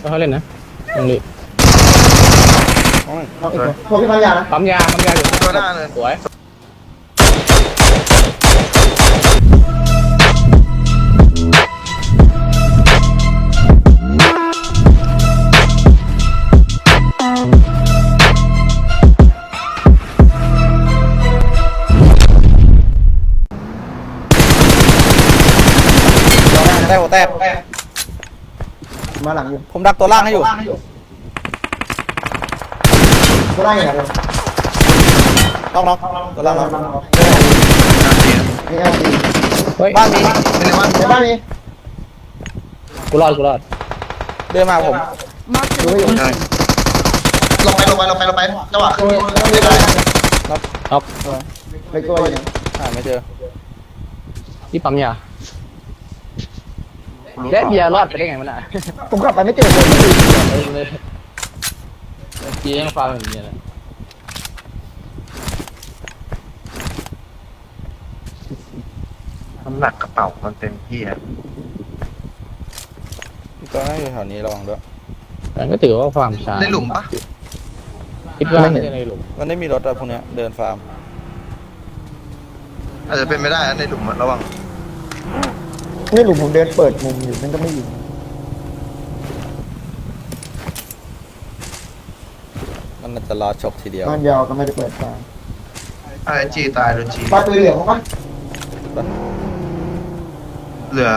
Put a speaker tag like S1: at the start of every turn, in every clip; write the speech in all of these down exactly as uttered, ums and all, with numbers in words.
S1: เขาเล่นนะตรงนี้
S2: พวกพี่ปั๊มยานะ
S1: ปั๊มยาปั๊มยาอยู่
S3: ตัวหน้าเลย
S1: สวย
S4: แตกหัวแตก
S2: มาหลังอยู่
S4: ผมดักตัวล่างให้อยู่
S2: ตัวล่างอย่างไร
S4: น้องน้องตัวล่างน้อง
S2: นี่เอลซี
S4: บ้านมี
S3: ไม่ได้ว่า
S2: ในบ้านนี้
S1: กูรอดกูรอด
S4: เดินมาผม
S2: ดูอยู่
S3: ลงไปลงไปลงไปลงไปจังหวะขึ้นไม่ได้
S1: น็อก
S2: ไปตัวอยู่
S4: หาไม่เจอ
S1: ที่ปั๊มยาและเบียร์รอดไปได้ไงมันอ่ะ
S2: ผมกลับไปไม่เจอเลย
S1: เลยเบียร์ยังฟังอย่างเงี้ยนะ
S3: น้ำหนักกระเป๋ามันเต็มที่อ่ะ
S4: ตัวนั้นอยู่แถวนี้ระวังด้วย
S1: แต่ก็ถือว่าความช้า
S3: ในหลุมปะ
S1: คิดว่าไม่ใช่ในหลุม
S4: มันไม่มีรถอะพวกเนี้ยเดินฟาร์ม
S3: อาจจะเป็นไม่ได้นะในหลุมระวัง
S2: นี่หลุมผมเดินเปิดมุมอยู่นั่นก็ไม่อยู่
S4: มันน่าจะรอฉกทีเดียว
S2: บ้านยาวก็ไม่ได้เปิดตา
S3: ไอ้จีตายโดนจี
S2: บ้านตัวเหลืองมั้ง
S3: เหลือ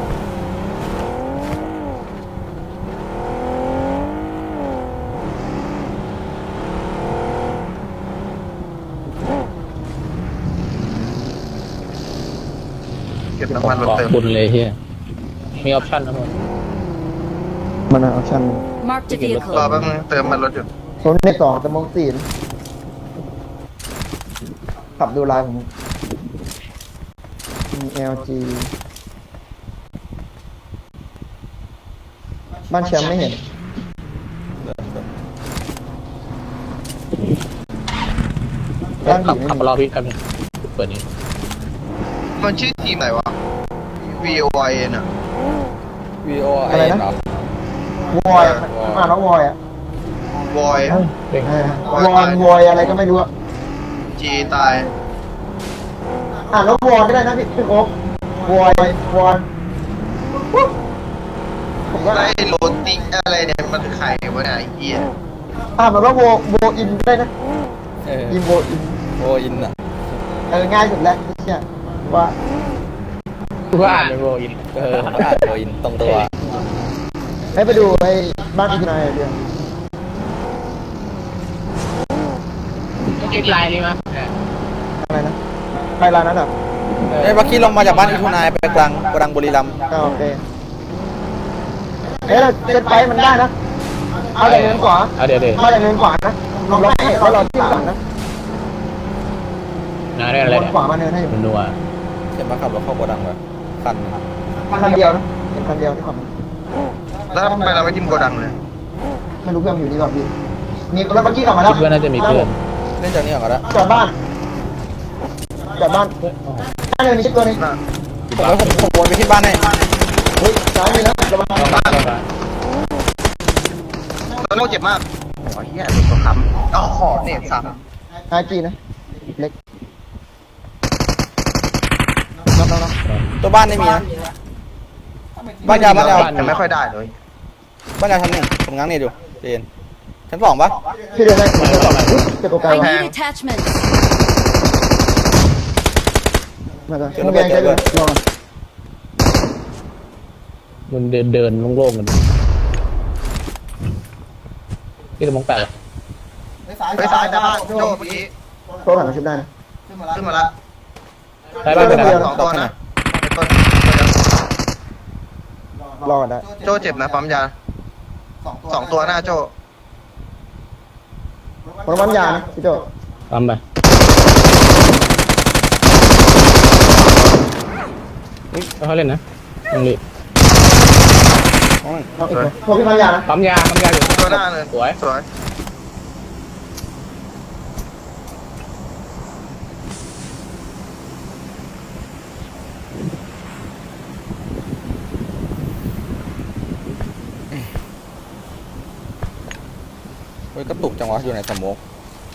S3: เก็บน้ำมันรถ
S1: ขอบ
S3: เติม
S1: คุณเลยเฮียมีออปชั่นนะผม
S2: มันเอาชั่น
S5: Marked a
S3: รอ
S5: vehicle.
S3: แป๊บนึงเติมมันรถอยู่
S2: ผมในสองแต่มองสี่ขับดูลายผมมี แอล จี บ้านแชมป์ไม่เห็นบ้าน
S1: ขับ
S2: ผี
S1: ขับรอพี่ครับเปิดนี้
S3: มันชื่อทีมไหนวะ V O I N อ่ะ
S4: วีโอไอเหรอ
S2: วอยอ่านแล้ววอยอ่ะ
S3: วอย
S1: เร่ง
S2: วอนวอยอะไรก็ไม่รู้อ่ะ
S3: จีตาย
S2: อ่านแล้ววอนก็ได้นะพี่พี่โอ๊ควอยวอนผมก็
S3: ไล่โรติอะไรเนี่ยมันไข่วะเนี่ยไอ้เหี้ย
S2: อ่านแบบว่าโวโวอินได้นะ
S4: เออ
S2: อินโวอิน
S4: โออินอะ
S2: เออง่ายสุดแล้วเนี่ยว่า
S1: กูก็อ่านเป็นโรอิน
S4: เอออ่านโออินตรงตัว
S2: ให้ไปดูไอ้บ้านอีกนายเดียว
S1: คลิปไลน์นี่มั้ย
S2: อะไรนะไปร้านนั้นอ่ะ
S4: เอ้ยเมื่อกี้ลงมาจากบ้านอิทุนายไปกลางกลางบุรีรัมย์
S2: ก็โอเคเฮ้ยเราเซตไปมันได้นะเอาแต่เงินขวา
S1: เอาเดี๋ยวเดี๋ยว
S2: เอาแต่เงินขวานะลองให้เขาเราที่หลังนะ
S1: งานได้อะไร
S2: วน
S1: เนี่ย
S2: ขวามาเนินให้อยู่
S1: มันนัว
S4: เห็นมาขับรถเข้าโกดังเลยคัน
S2: คันเดียวนะเป็นคันเดียวที่ขับ
S3: แล้วทำไมเราไม่ทิมโกดังเลย
S2: ไม่รู้เพื่อนอยู่นี่ก่อนพี่มีแล้วเมื่อกี้ขับมาแล้ว
S1: คิดว่าน่าจะมีเพื่อน
S4: เล่นจากนี้ก่อนก็ได้
S2: จอดบ้านจอดบ้านบ้านเนินนี้ตัวนี้
S3: น่ะ
S4: ผมไปผมผมวนไปที่บ้านให้
S2: เฮ้ยซ้ายมีนะระวัง
S1: ต้องมาต้องมา
S3: ตัวโน้เจ็บมากโอ้ยเหี้ยตัวคำอ๋อขอเน็ตซ้
S2: ไอจีนะเล็กน้องน้อง
S4: ตัวบ้านไม่มีนะ
S3: ำ
S4: บ้านยาวบ้านยาว
S3: แต่ไม่ค่อยได้เลย
S4: บ้านยาวชั้นหนึ่งผมง้างนี่ดูเจนชั้นสองปะ
S2: พี่เดินได้ผมจะบอกจะโกไกล
S5: I
S2: วะ
S5: need attachments.
S2: มาจ้ะโอเคใช่เลยลอง
S1: มันเดินเดินโล่งๆกันที่ตะมงแปด
S3: ไปซ้ายแต่บ้านโจ้เมื่อกี้
S2: โตหลังมาชิบได้นะ
S3: ขึ้นมาละ
S1: ใช่บ้านเป็นอะไร
S3: สองตัวนะต้น
S2: รอดได้
S3: โจ้เจ็บนะปั๊มยาสองตัวหน้าโจ้
S2: คนวันยานะพี่โจ
S1: ปั๊มไป เขาเล่นนะตรงนี้
S2: เอาอีกพวกพี่พันยานะ
S1: ปั๊มยาปั๊มยาอยู่
S3: ตัวหน้าเลย
S1: สวย
S3: สวย
S4: ฮ้ยกระตุกจังวะอยู่ในสโมก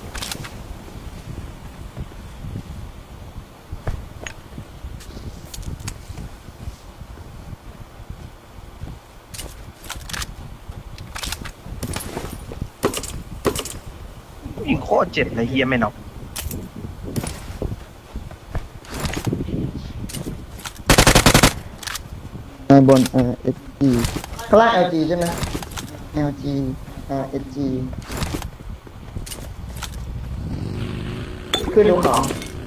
S3: ยิงโคตรเจ็บเลยเฮียไม่น็อก
S2: ในบนเอ่อ เอส จี ข้างล่าง แอล จี ใช่ไหม แอล จี อ่า เอส จี ขึ้นดูของ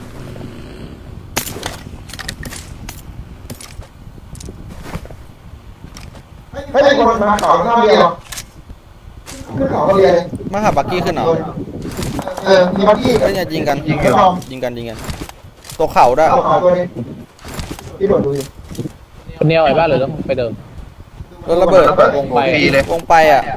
S2: เฮ้ยมีคนมาขอข้าวเดียวขึ้นเขาก็เรียน
S4: มาหาบักกี้ขึ้นเหรอ
S2: เออ มีบักกี้
S4: เฮ้ยเนี่ยยิงกันยิง
S2: กั
S4: กัน นยิงกันยิงกันตัวเข่าด้วย
S2: เอาขอตัวนี้พี่โดดดูอยู่
S1: คนเดียวไอ้บ้านหรือต้องไปเดิม
S4: รถระเบิด
S1: วงไป
S3: ฟรีเลยว
S4: งไปอ่ะ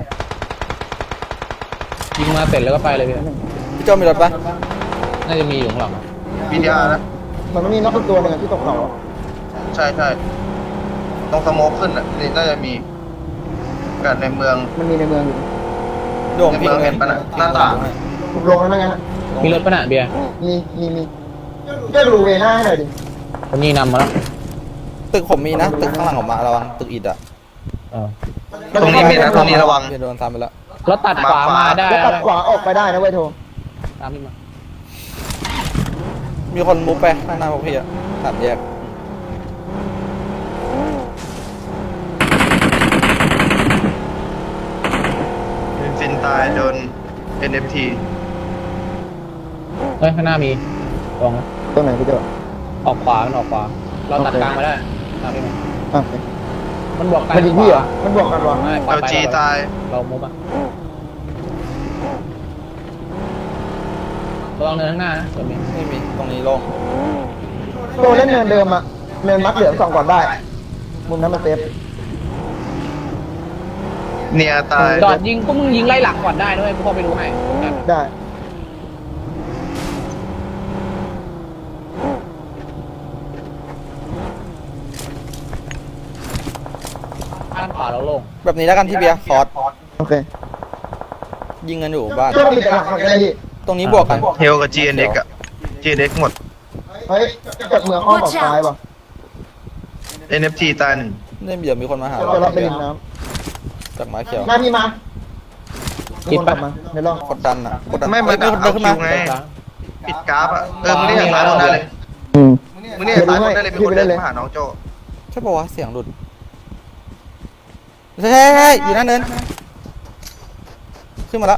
S1: ยิงมาเสร็จแล้วก็ไปเลยพี่
S4: พี่โจมีรถปะ
S1: น่าจะมีอยู่ข้างหลัง
S3: พีดีอาร์นะ
S2: มันไม่มีนกตัวหนึ่งที่ตกเขา
S3: ใช่ใช่ต้องสโมกขึ้นอ่ะนี่น่าจะมีกันในเมือง
S2: มันมีในเมืองอยู่
S4: โดงพิง
S3: ในเมืองเห็นปะน่ะหน้าต่าง
S2: ถูกลงแล้วนะงั้น
S1: มีรถปะน่ะเบียร์
S2: มีมีมีช่วยดูเวน่าให้หน่อยดิ
S1: คนนี้นำมาแล้ว
S4: ตึกผมมีนะตึกข้างหลังผมมาระวังตึกอิฐอ่ะ
S1: เออ
S3: ตรงนี้มีนะตรงนี้ระวัง
S4: เดี๋ยวโดนซ้ำไปแล้ว
S1: รถตัดขวามาได้
S2: แล้วตัดขวาออกไปได้นะเว้ยโท
S1: ตามพี่มา
S4: มีคนมุกไปข้างหน้าพวกพี่อ่ะสามแยก
S3: ฟินตายโดน เอ็น เอฟ ที
S1: เฮ้ยข้างหน้ามีตรงนะ
S2: ตัวไหนพี่เจ้า
S1: ออกขวามันออกขวาเราตัดกลางมาได้ตามพี่มา
S2: อ่ะ
S1: มันบวกกัน
S2: มันยิงพี่เหรอมันบวกกันวะ
S1: ไม่
S3: เอลจีตาย
S1: เรามุกอ่ะระวังเนินข้างหน้านะเดี๋ยวมี
S4: ไม่มีตรงนี้โล่ง
S2: โตเล่นเนินเดิมอะเนินมัดเหลืองสองก่อนได้ มุมนั้นมันเซฟ
S3: เนียตาย
S1: จอดยิงก็มึงยิงไล่หลังก่อนได้ด้วยกูเข้าไปดูให้
S2: ได้
S1: ด้านขวาเราโล่ง
S4: แบบนี้แล้วกันพี่เบียร์คอร์ส
S2: โอเค
S4: ยิงกันอยู่บ้าน
S2: ช่วยปิดหลังก่อนก็ได้พี่
S4: ตรงนี้บวกกัน
S3: เฮลกับ จี เอ็น เอ็กซ์ อ่ะ จี เอ็น เอ็กซ์ หมด
S2: เฮ้ยจากเมืองอ้อมออกซ้ายว่ะ
S3: เอ็น เอฟ ที ตายหนึ่ง
S4: เนี่ยเดี๋ยวมีคนมาหา
S2: จะรับไปริมน้
S4: จากไม้เขียว
S2: ำมาพี่มามีคนกลับมาในร่อง
S4: กดดันอ่ะกดดัน
S3: ไม่
S4: เฮ้
S3: มาย
S4: มีคนเดินขึ้นมา
S3: เอาคิวไง ปิดกราฟอ่ะ เออมึงเรียกสายหมดได้เลย
S2: อืม
S3: มึงเรียกสายหมดได้เลยมีคนเดินมาหาน้องโจ
S4: ใช่ป่าวะเสียงหลุดใช่ใช่ใช่อยู่หนั่นเนินขึ้นมาแล้ว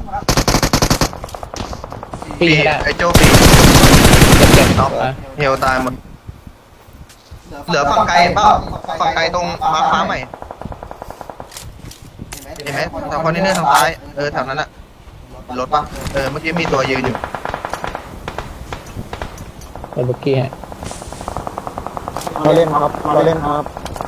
S1: ปีให้ได้
S3: ไอโจปี
S1: เจ็บเจ็บ
S3: น็อก
S1: ไป
S3: เฮลตายหมด เหลือฝั่งไกลเปล่าฝั่งไกลตรงมาร์คฟ้าใหม่ เห็นไหมแถวคอนเทนเนอร์ทางซ้าย เออแถวนั้นอะรถปะเออเมื่อกี้มีตัวยืนอยู่
S1: ไปบุกกี้ให้
S2: เราเล่นครับเราเล่นครับ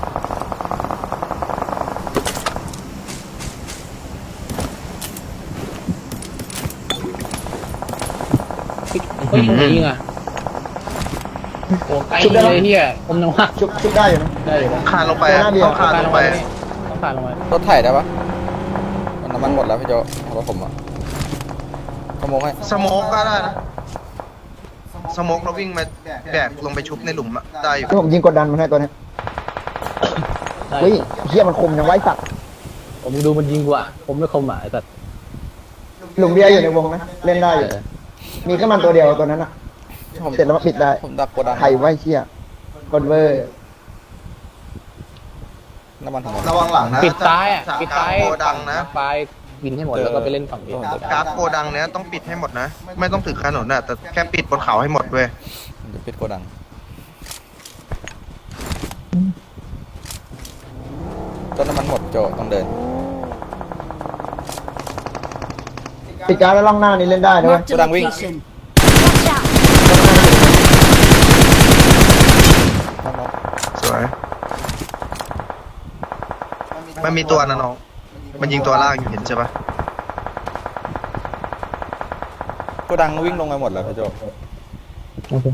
S1: เฮ้ยยิงอ่ะโอ้ไกลเลยเฮียผมนึกว่า
S2: ชุบชุบได้อยู่นะ
S1: ได้อยู่นะ
S3: คานลงไปอะต้องคานลงไป
S1: ต้องผ่านลงไป
S4: รถไถ่ได้ปะมันน้ำมันหมดแล้วพี่โจรถผมอ่ะขโมยให้
S3: สโมกก็ได้นะ สโมกเราวิ่งมาแบกลงไปชุบในหลุมอะได้อยู่
S2: ที่ผมยิงกดดันมันให้ตัวเนี้ย
S1: ได้
S2: เฮ้ยเฮียมันคมยังไว้สัตว์
S1: ผมดูมันยิงกว่าผมไม่คมอ่ะแต่
S2: หลุมเบียร์อยู่ในวงนะเล่นได้อยู่ มีแค่มันตัวเดียวตัวนั้นอะ
S4: ผม
S2: เสร็จแล้วมาปิดได้
S4: ผมดักกดดัน
S2: ไข่ไว้เชี่ยกดเวอร์
S4: น้ำมันทั้งหมด
S3: ระวังหลังนะ
S1: ปิดซ้ายอ่ะปิดซ้าย
S3: โกดังนะ
S1: ปลายบินให้หมดแล้วก็ไปเล่นฝั่งนี้
S3: กราฟโกดังเนี้ยต้องปิดให้หมดนะ ไม่ต้องถึงถนนน่ะแต่แค่ปิดบนเขาให้หมดเว้ย
S4: เดี๋ยวปิดโกดังต้นน้ำมันหมดโจต้องเดิน
S2: ปิดการดแล้วล่องหน้านี่เล่นได้ด้วย
S5: Marked a
S4: Cô đang win.
S5: location. Watch out!
S3: สวย มันมีตัวนะน้อง มันยิงตัวล่างอยู่เห็นใช่ปะ
S4: โกดังวิ่งลงไปหมดแล้วพี่โจ
S1: โอเค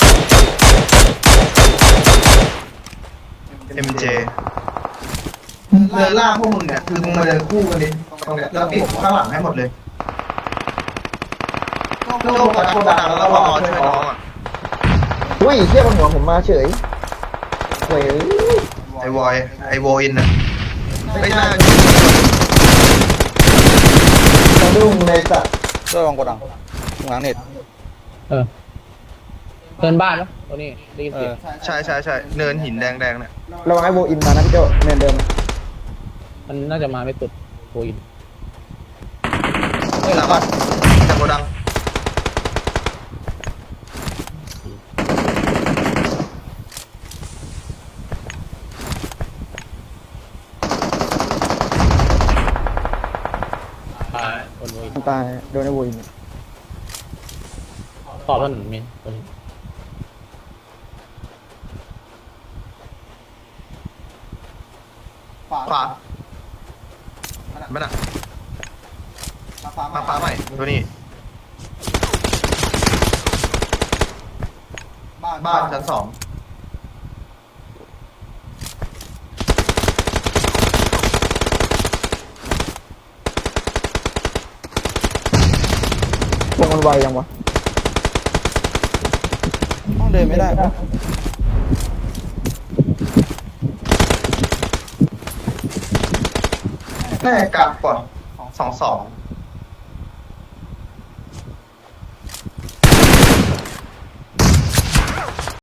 S3: เอ็ม เจเดินล่าพวกมึงเนี่ยคือมึงมาเดินคู่กันดิตรงเนี้ยแล้วปิดข้างหลังให้หมดเลยโจ้กระดังกระดังแล้วรอช่วยน้องอ่ะ
S2: อุ้ยเชี่ยบนหัวผมมาเฉยเว้ย
S3: ไอวอยไอโวอินนะไม่น่า
S2: สะดุ้งในสัตว์
S4: ช่วยวางกดดังตรงหลังเน็ต
S1: เออเดินบ้านแล้วตัวนี้ได้ยิน
S4: เอ
S1: เสีย
S4: อง
S3: ใช่ใช่ใช่เนินหินแดงแดงเนี่ย
S2: ระวังไอ้โบอินมานะพี่โจเนินเดิม
S1: มันน่าจะมาไม่ตุดโอิน
S3: เฮ้ยหลังบ้านจากโกดัง
S1: ตายคนโอิน
S2: ตายโดนไอ้โบอิน
S1: ตอบถนนมีตัวนี้
S3: ขวาไม่น่ะมาฟ้าใหม่ตัวนี้บ้านชั้นสอง
S2: พวกมันไวยังวะ
S4: ต้องเดินไม่ได้ปะ
S3: แน่กลางก่อนสองสอง